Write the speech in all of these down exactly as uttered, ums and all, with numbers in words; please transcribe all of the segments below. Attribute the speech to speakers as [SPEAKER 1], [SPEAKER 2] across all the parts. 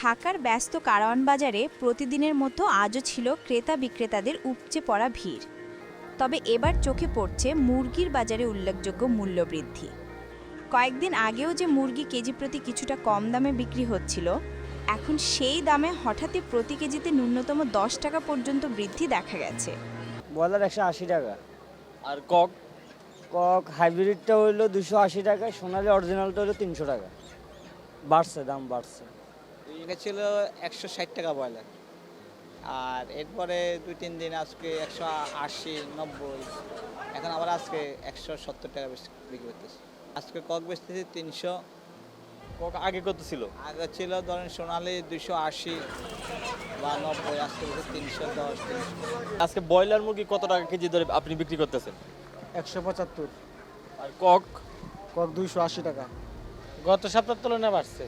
[SPEAKER 1] ঢাকার ব্যস্ত কারওয়ান বাজারে প্রতিদিনের মতো আজও ছিল ক্রেতা বিক্রেতাদের উপচে পড়া ভিড়। তবে এবার চোখে পড়ছে মুরগির বাজারে উল্লেখযোগ্য মূল্যবৃদ্ধি। কয়েকদিন আগেও যে মুরগি কেজি প্রতি কিছুটা কম দামে বিক্রি হচ্ছিল, এখন সেই দামে হঠাৎই প্রতি কেজিতে ন্যূনতম দশ টাকা পর্যন্ত বৃদ্ধি দেখা গেছে।
[SPEAKER 2] ব্রয়লার একশো আশি টাকা,
[SPEAKER 3] আর কক
[SPEAKER 2] কক হাইব্রিডটা হইলো দুশো আশি টাকা, সোনালি অরিজিনালটা হলো তিনশো টাকা। বাড়ছে, দাম বাড়ছে।
[SPEAKER 4] এটা ছিল একশো ষাট টাকা ব্রয়লার, আর এরপরে দুই তিন দিন আজকে একশো আশি নব্বই, এখন আবার আজকে একশো সত্তর টাকা বেশি বিক্রি করতেছে। আজকে কক বেচতেছি তিনশো,
[SPEAKER 3] কক আগে কত ছিল?
[SPEAKER 4] আগে ছিল ধরেন সোনালি দুশো আশি বা নব্বই, আজকে বেশি তিনশো দশ তিনশো।
[SPEAKER 3] আজকে ব্রয়লার মুরগি কত টাকা কেজি ধরে আপনি বিক্রি করতেছেন?
[SPEAKER 5] একশো পঁচাত্তর।
[SPEAKER 3] আর কক?
[SPEAKER 5] কক দুইশো আশি টাকা।
[SPEAKER 6] গত সপ্তাহের তুলনায় বাড়ছে।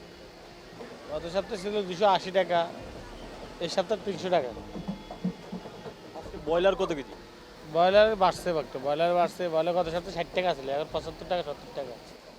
[SPEAKER 6] গত সপ্তাহে ছিল দুশো আশি টাকা, এই সপ্তাহে তিনশো টাকা।
[SPEAKER 3] আজকে ব্রয়লার কত কেজি?
[SPEAKER 6] ব্রয়লার বাড়ছে একটু, ব্রয়লার বাড়ছে। ব্রয়লার গত সপ্তাহে ষাট টাকা ছিল, এখন পঁচাত্তর টাকা সত্তর টাকা।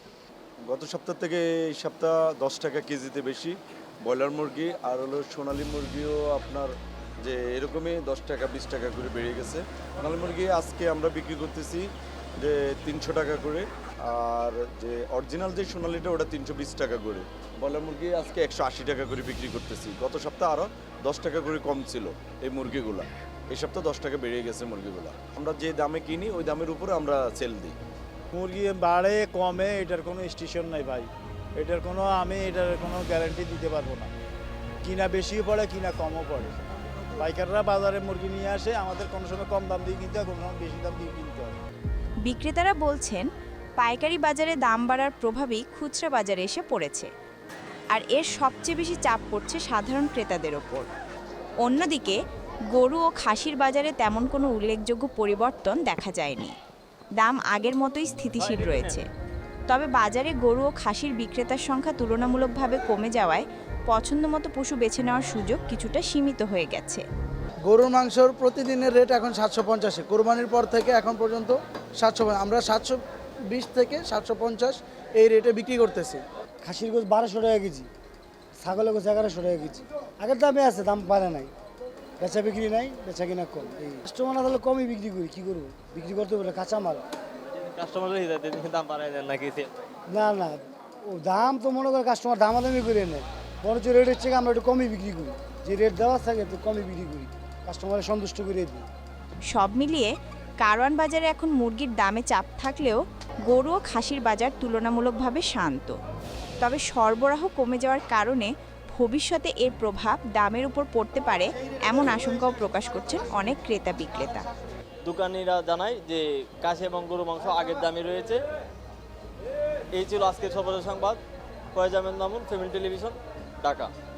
[SPEAKER 7] গত সপ্তাহ থেকে এই সপ্তাহ দশ টাকা কেজিতে বেশি ব্রয়লার মুরগি, আর হলো সোনালী মুরগিও আপনার যে এরকমই দশ টাকা বিশ টাকা করে বেড়ে গেছে। সোনালী মুরগি আজকে আমরা বিক্রি করতেছি যে তিনশো টাকা করে, আর যে অরিজিনাল যে সোনালিটা ওটা তিনশো বিশ টাকা করে। ব্রয়লার মুরগি আজকে একশো আশি টাকা করে বিক্রি করতেছি। গত সপ্তাহ আরও দশ টাকা করে কম ছিল এই মুরগিগুলা, এই সপ্তাহ দশ টাকা বেড়ে গেছে মুরগিগুলা। আমরা যে দামে কিনি ওই দামের উপরে আমরা সেল দিই।
[SPEAKER 5] মুরগি বাড়ে কমে এটার কোনো স্টেশন নাই ভাই, এটার কোনো আমি এটার কোনো গ্যারান্টি দিতে পারবো না। কিনা বেশিও পড়ে, কিনা কমও পড়ে। পাইকাররা বাজারে মুরগি নিয়ে আসে, আমাদের কোনো সময় কম দাম দিয়ে কিনতে হয়, কোনো সময় বেশি দাম দিয়ে কিনতে হয়।
[SPEAKER 1] বিক্রেতারা বলছেন, পাইকারি বাজারে দাম বাড়ার প্রভাবই খুচরা বাজারে এসে পড়েছে, আর এর সবচেয়ে বেশি চাপ পড়ছে সাধারণ ক্রেতাদের ওপর। অন্যদিকে গরু ও খাসির বাজারে তেমন কোনো উল্লেখযোগ্য পরিবর্তন দেখা যায়নি, দাম আগের মতোই স্থিতিশীল রয়েছে। তবে বাজারে গরু ও খাসির বিক্রেতার সংখ্যা তুলনামূলকভাবে কমে যাওয়ায় পছন্দমতো পশু বেছে নেওয়ার সুযোগ কিছুটা সীমিত হয়ে গেছে।
[SPEAKER 5] গরুর মাংসর প্রতিদিনের রেট এখন সাতশো পঞ্চাশে, কোরবানির পর থেকে এখন পর্যন্ত সাতশো, আমরা সাতশো বিশ থেকে সাতশো পঞ্চাশ এই রেটে বিক্রি করতেছি।
[SPEAKER 8] খাসির গোছ বারোশো টাকা কেজি, ছাগলের গোছ এগারোশো টাকা কেজি। আগের দামে আছে, দাম বাড়ে নাই, বেচা বিক্রি নাই, বেচা কিনা কম। এই কাস্টমার না তাহলে কমই বিক্রি করি, কী করবো, বিক্রি করতে বলে কাঁচামাল।
[SPEAKER 3] কাস্টমার দাম বাড়ায় দেন নাকি?
[SPEAKER 8] না না, ও দাম তো মনে করে কাস্টমার দামাদামি করে নেয়, বরঞ্চ রেটের থেকে আমরা একটু কমই বিক্রি করি। যে রেট দেওয়া থাকে একটু কমই বিক্রি করি, কাস্টমারের সন্তুষ্ট করে দিই।
[SPEAKER 1] সব মিলিয়ে কারওয়ান বাজারে এখন মুরগির দামে চাপ থাকলেও গরু ও খাসির বাজার তুলনামূলকভাবে শান্ত। তবে সরবরাহ কমে যাওয়ার কারণে ভবিষ্যতে এর প্রভাব দামের উপর পড়তে পারে এমন আশঙ্কাও প্রকাশ করছেন অনেক ক্রেতা বিক্রেতা।
[SPEAKER 3] দোকানিরা জানায় যে কাশি এবং গরু মাংস আগের দামে রয়েছে। এই ছিল আজকের সর্বশেষ সংবাদ। Foyez Ahmed Mamun, family television, Dhaka.